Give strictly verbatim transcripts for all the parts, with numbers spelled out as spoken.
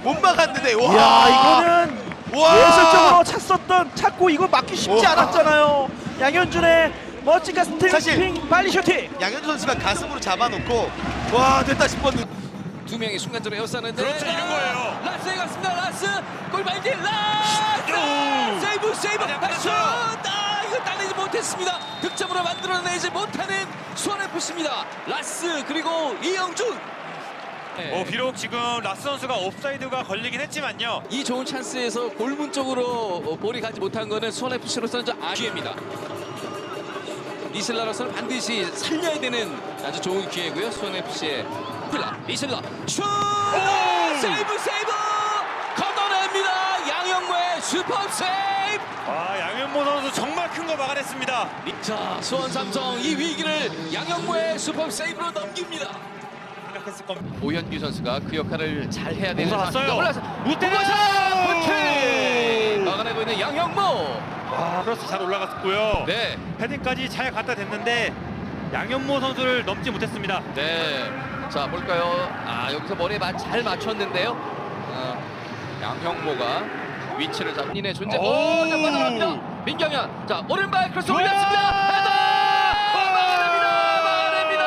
못 막았는데 와. 이야 이거는 와. 예술적으로 찼었던 찾고 이거 막기 쉽지 와. 않았잖아요. 양현준의 멋진 가슴 사실- 트래핑 빨리 슈팅. 양현준 선수가 가슴으로 잡아놓고 와 됐다 싶었는데 두 명이 순간적으로 에워싸는데 그렇죠, 이런 거예요. 라스에 갔습니다. 라스 골반길 라스 세이브 세이브 아니야, 슛! 끝났어요. 아 이거 따내지 못했습니다. 득점으로 만들어내지 못하는 수원에프씨입니다. 라스 그리고 이영준. 네. 어, 비록 지금 라스 선수가 옵사이드가 걸리긴 했지만요. 이 좋은 찬스에서 골문 쪽으로 어, 볼이 가지 못한 거는 수원에프씨로서는 좀 아쉬입니다. 이슬라로서는 반드시 살려야 되는 아주 좋은 기회고요. 수원에프씨의 필라 이슬라 슛! 세이브 세이브 걷어냅니다. 양영모의 슈퍼 세이브. 아, 양현모 선수 정말 큰 거 막아냈습니다. 자 수원 삼성 이 위기를 양영모의 슈퍼 세이브로 넘깁니다. 생각했을 겁니다. 오현규 선수가 그 역할을 잘 해야 되는 올라왔어요. 상황입니다. 올라서 무대로 무태 막아내고 있는 양영모. 아, 크로스 잘 올라갔고요. 네, 헤딩까지 잘 갖다 댔는데 양현모 선수를 넘지 못했습니다. 네. 자 볼까요? 아 여기서 머리에 마- 잘 맞췄는데요. 어, 양형모가 위치를 잡는의 존재. 오! 오, 자 빠져나갑니다. 민경현. 자 오른발 크로스 좋아요! 올렸습니다. 헤더! 막아냅니다.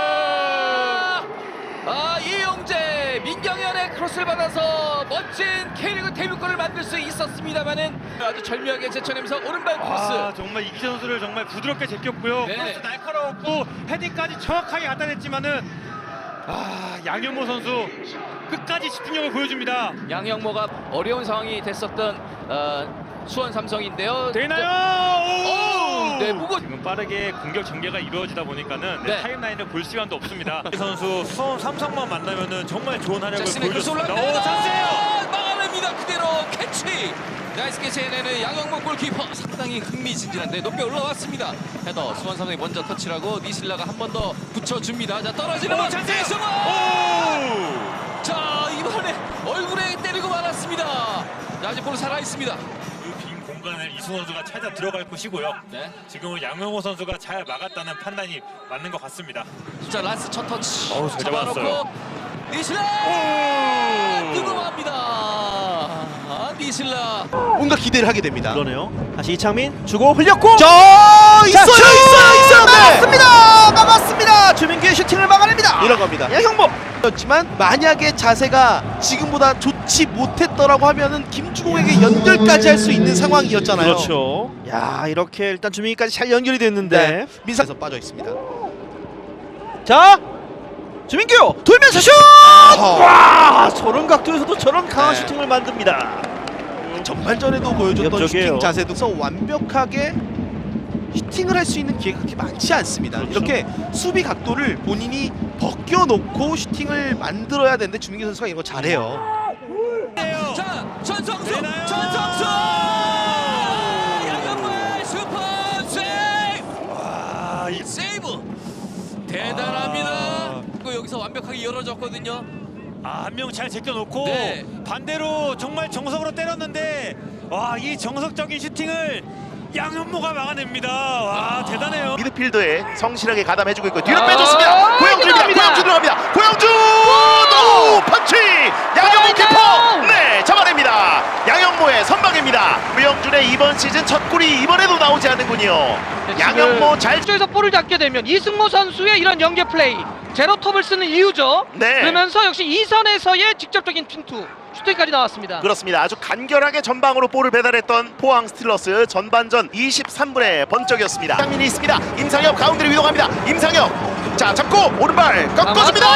막아냅니다. 아 이용재 민경현의 크로스를 받아서 멋진 K리그 데뷔골을 만들 수 있었습니다만은 아주 절묘하게 제쳐내면서 오른발 크로스. 아, 정말 이기재 선수를 정말 부드럽게 제꼈고요. 네. 크로스 날카로웠고 헤딩까지 정확하게 갖다 댔지만은 아, 양현모 선수 끝까지 집중력을 보여줍니다. 양형모가 어려운 상황이 됐었던 어, 수원 삼성인데요. 되나요? 오! 네, 무거. 지금 빠르게 공격 전개가 이루어지다 보니까는 네. 네, 타임라인을 볼 시간도 없습니다. 이 선수 수원 삼성만 만나면은 정말 좋은 활약을 자신의 크로스 보여줬습니다. 올라갑니다. 오, 찬스예요. 막아냅니다. 그대로 캐치. 나이스 캐치 해내는 양형모 골키퍼. 상당히 흥미진진한데 높게 올라왔습니다. 헤더 수원 삼성이 먼저 터치하고 니실라가 한 번 더 붙여줍니다. 자 떨어지는 오, 번 찬스예요. 이승원. 오! 자 이번에 얼굴에 때리고 말았습니다. 자, 아직 볼 살아 있습니다. 그 빈 공간을 이승원 선수가 찾아 들어갈 것이고요. 네. 지금은 양현모 선수가 잘 막았다는 판단이 맞는 것 같습니다. 자 라스 첫 터치. 어우, 잘 잡아놓고 잡았어요. 니실라 오! 뜨거워합니다. 아, 니실라. 뭔가 기대를 하게 됩니다. 그러네요. 다시 이창민 주고 흘렸고. 저 있어요 자, 슛! 있어요 있어요 막았습니다. 막았습니다. 주민규의 슈팅을 막아냅니다. 이런 겁니다. 양형모. 그렇지만 만약에 자세가 지금보다 좋지 못했더라고 하면은 김주공에게 연결까지 할 수 있는 상황이었잖아요. 그렇죠. 야 이렇게 일단 주민규까지 잘 연결이 됐는데. 네. 민상에서 빠져 있습니다. 자 주민규 돌면서 슛! 어허. 와 저런 각도에서도 저런 강한 네. 슈팅을 만듭니다. 전반전에도 보여줬던 위협적이에요. 슈팅 자세도 완벽하게 슈팅을 할 수 있는 기회가 그렇게 많지 않습니다. 그렇죠. 이렇게 수비 각도를 본인이 벗겨놓고 슈팅을 만들어야 되는데 주민규 선수가 이거 잘해요. 자 전성수 되나요? 전성수 양현모의 슈퍼 세이브. 와, 이 세이브 대단합니다. 아. 또 여기서 완벽하게 열어줬거든요. 아, 한 명 잘 제껴놓고 네. 반대로 정말 정석으로 때렸는데 와, 이 정석적인 슈팅을 양현모가 막아냅니다. 와, 대단해요. 미드필더에 성실하게 가담해주고 있고 뒤로 아, 빼줬습니다. 고영준입니다. 들어갑니다. 고영준 들어갑니다. 고영준 오 펀치 양현모 키퍼 네 잡아냅니다. 양현모의 선방입니다. 고영준의 이번 시즌 첫 골이 이번에도 나오지 않는군요. 양현모 잘 쪽에서 볼을 잡게 되면 이승모 선수의 이런 연계 플레이 제로톱을 쓰는 이유죠. 네. 그러면서 역시 이선에서의 직접적인 핀투 슈팅까지 나왔습니다. 그렇습니다. 아주 간결하게 전방으로 볼을 배달했던 포항 스틸러스 전반전 이십삼 분의 번쩍이었습니다. 장민이 있습니다. 임상혁 가운데로 이동합니다. 임상혁 자 잡고 오른발 꺾어줍니다.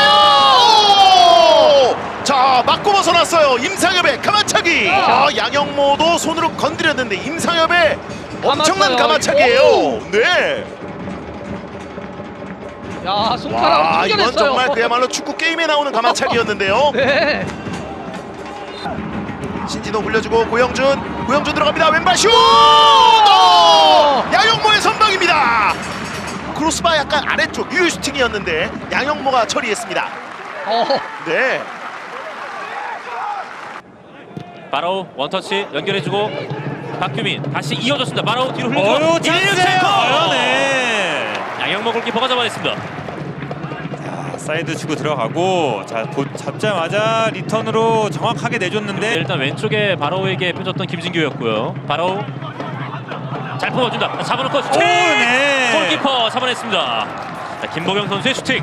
오! 자 맞고 벗어났어요. 임상혁의 가마차기. 아, 양영모도 손으로 건드렸는데 임상혁의 엄청난 감았어요. 가마차기예요. 네. 야 손가락 와 이건 충전했어요. 정말 그야말로 축구 게임에 나오는 가마차기였는데요. 네. 신진호 굴려주고 고영준 고영준 들어갑니다. 왼발 슛! 오! 양영모의 선방입니다. 크로스바 약간 아래쪽 유효 슈팅이었는데 양영모가 처리했습니다. 어. 네. 바로 원터치 연결해주고 박규민 다시 이어졌습니다. 바로 뒤로 흘려주고 어유, 찬스예요. 일루체코! 네. 양영모 골키퍼가 잡아냈습니다. 사이드 치고 들어가고 자 보, 잡자마자 리턴으로 정확하게 내줬는데 일단 왼쪽에 바로우에게 펴줬던 김진규였고요. 바로우 잘 뽑아준다. 잡아놓고 슈팅! 오, 네. 골키퍼 잡아냈습니다. 자, 김보경 선수의 슈팅.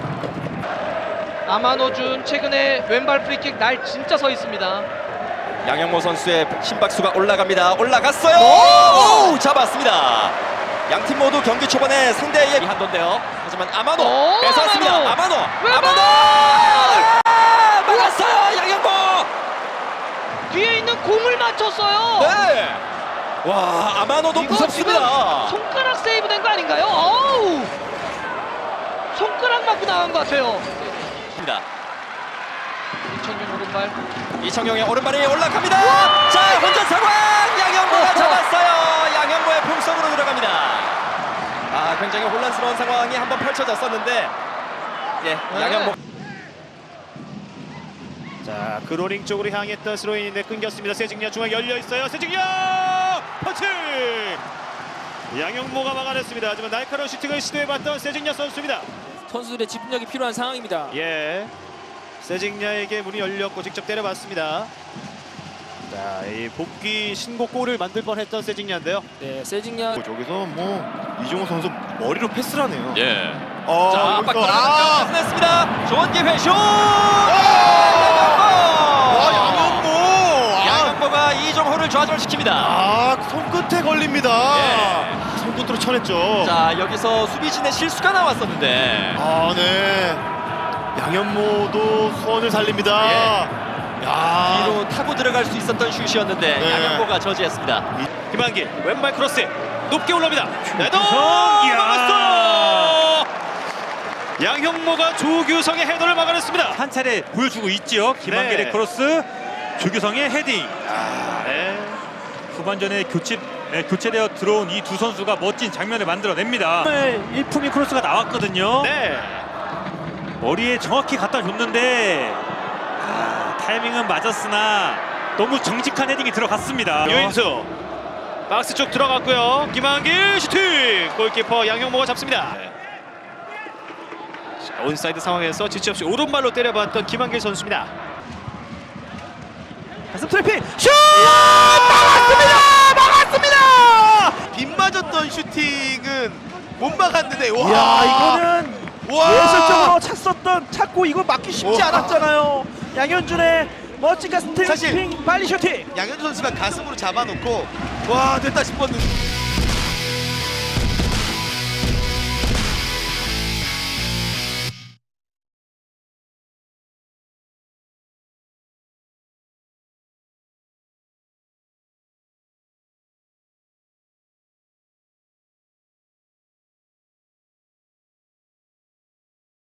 아마노준 최근에 왼발 프리킥 날 진짜 서 있습니다. 양영모 선수의 심박수가 올라갑니다. 올라갔어요. 오! 잡았습니다. 양팀 모두 경기 초반에 상대의 한도인데요. 하지만 아마노 오, 뺏어왔습니다. 아마노! 아마노. 왼발! 아마노. 아! 막았어요. 양영모. 뒤에 있는 공을 맞췄어요. 네. 와, 아마노도 이거 무섭습니다. 지금 손가락 세이브된 거 아닌가요? 어우! 손가락 맞고 나간 것 같아요. 이천용 오른발. 이청용의 오른발이 올라갑니다. 자, 혼전 상황. 양영모가 어허. 잡았어요. 양영모의 품속으로 들어갑니다. 아, 굉장히 혼란스러운 상황이 한번 펼쳐졌었는데, 예, 양영모. 자 그로링 쪽으로 향했던 스로인인데 끊겼습니다. 세징야 중앙 열려 있어요. 세징야 펀치. 양영모가 막아냈습니다. 하지만 날카로운 슈팅을 시도해봤던 세징야 선수입니다. 선수들의 집중력이 필요한 상황입니다. 예, 세징야에게 문이 열렸고 직접 때려봤습니다. 자, 이 복귀 신곡 골을 만들 뻔했던 세징야인데요. 네, 세징야 저기서 뭐 이종호 선수 머리로 패스를 하네요. 예. 어, 자, 여기서- 압박 아! 들어갔습니다. 좋은 기회 슛! 와, 양영모. 아, 양영모가 이종호를 좌절시킵니다. 아, 손끝에 걸립니다. 예. 손끝으로 쳐냈죠. 자, 여기서 수비진의 실수가 나왔었는데, 아, 네. 양현모도 소원을 살립니다. 예. 야, 뒤로 타고 들어갈 수 있었던 슛이었는데 네. 양영모가 저지했습니다. 김한길 왼발 크로스 높게 올라옵니다. 헤더 이야. 막았어. 양형모가 조규성의 헤더를 막아냈습니다. 한 차례 보여주고 있지요. 김한길의 네. 크로스, 조규성의 헤딩. 아, 네. 후반전에 교체 네, 교체되어 들어온 이 두 선수가 멋진 장면을 만들어냅니다. 일품이 크로스가 나왔거든요. 네. 머리에 정확히 갖다 줬는데 아, 타이밍은 맞았으나 너무 정직한 헤딩이 들어갔습니다. 유인수 박스 쪽 들어갔고요. 김한길 슈팅. 골키퍼 양형모가 잡습니다. 자, 온사이드 상황에서 지체 없이 오른발로 때려봤던 김한길 선수입니다. 가슴 트래핑 슛! 빗 맞았던 슈팅은 못 막았는데 와 야, 이거는 와 예술적으로 찼었던 찾고 이거 막기 쉽지 와. 않았잖아요. 양현준의 멋진 가슴 사실- 트래핑 빨리 슈팅. 양현준 선수가 가슴으로 잡아놓고 와 됐다 싶었는데